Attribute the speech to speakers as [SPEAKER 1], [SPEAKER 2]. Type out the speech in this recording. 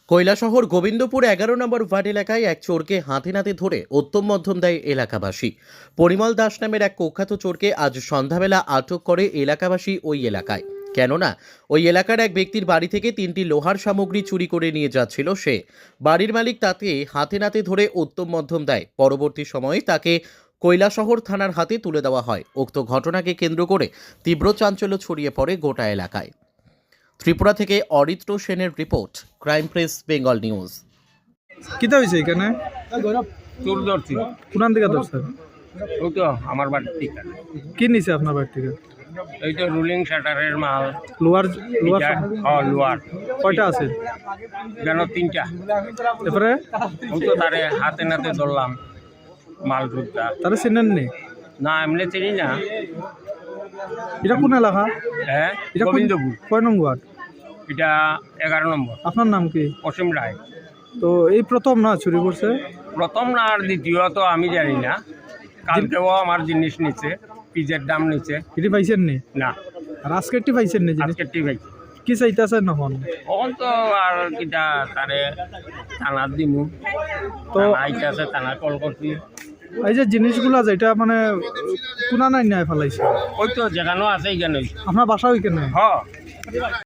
[SPEAKER 1] কৈলাসহর গোবিন্দপুর 11 নম্বর word এলাকায় এক চোরকে হাতে নাতে ধরে উত্তম মধ্যম দেয় এলাকাবাসী। পরিমল দাস নামের এক কুখ্যাত চোরকে আজ সন্ধ্যাবেলা আটক করে এলাকাবাসী ওই এলাকায়। কেননা ওই এলাকার এক ব্যক্তির বাড়ি থেকে 3টি লোহার সামগ্রী চুরি করে নিয়ে যাচ্ছিল সে। বাড়ির মালিক তাকে হাতে নাতে ধরে উত্তম মধ্যম দেয়। পরবর্তী সময়ে তাকে কৈলাসহর থানার হাতে তুলে দেওয়া হয়। উক্ত ঘটনাকে কেন্দ্র করে তীব্র চাঞ্চল্য ছড়িয়ে পড়ে গোটা এলাকায়। ত্রিপুরা থেকে অরিত্র সেনের report, crime press Bengal news.
[SPEAKER 2] কিতা হয়েছে এখানে?
[SPEAKER 3] চোর ধরছি।
[SPEAKER 2] কোন দিকে ধরছেন?
[SPEAKER 3] ওই তো আমার বাড়ির থেকে।
[SPEAKER 2] কি নিছে আপনার বাড়ি থেকে?
[SPEAKER 3] এই তো রুলিং শাটারের মাল।
[SPEAKER 2] লোহার লোহার
[SPEAKER 3] এটা, লোহার
[SPEAKER 2] কয়টা আছে?
[SPEAKER 3] যেন 3টা।
[SPEAKER 2] এরপরে
[SPEAKER 3] ওই তো তারে হাতে নাতে ধরলাম মাল ঢুকটা।
[SPEAKER 2] তারা চিনেন নি?
[SPEAKER 3] না এমনি চিনি না।
[SPEAKER 2] এটা কোন এলাকা?
[SPEAKER 3] হ্যাঁ,
[SPEAKER 2] এটা
[SPEAKER 3] গোবিন্দপুর।
[SPEAKER 2] কয় নং ওয়ার্ড?
[SPEAKER 3] এটা 11 নম্বর।
[SPEAKER 2] আপনার নাম কি?
[SPEAKER 3] অসীম রায়।
[SPEAKER 2] তো এই প্রথম না চুরি করছে?
[SPEAKER 3] প্রথম না আর দ্বিতীয় তো আমি জানি না। কালকেও আমার জিনিস নিচ্ছে, পিজের দাম নিচ্ছে।
[SPEAKER 2] এটি পাইছেন নি?
[SPEAKER 3] না,
[SPEAKER 2] আর আজকেরটি পাইছেন নি জিনিস?
[SPEAKER 3] আজকে ঠিক আছে।
[SPEAKER 2] কি চাইতেছেন এখন?
[SPEAKER 3] তখন তো আর কিটা তারে থানার দিমু।
[SPEAKER 2] তো
[SPEAKER 3] আইতাছে থানা কল করছি।
[SPEAKER 2] এই যে জিনিসগুলা যেটা মানে কোনা নাই নাই ফেলাইছে,
[SPEAKER 3] ওই তো যেখানেও আছে এখানে।
[SPEAKER 2] আপনার বাসা ওইখানে?
[SPEAKER 3] হ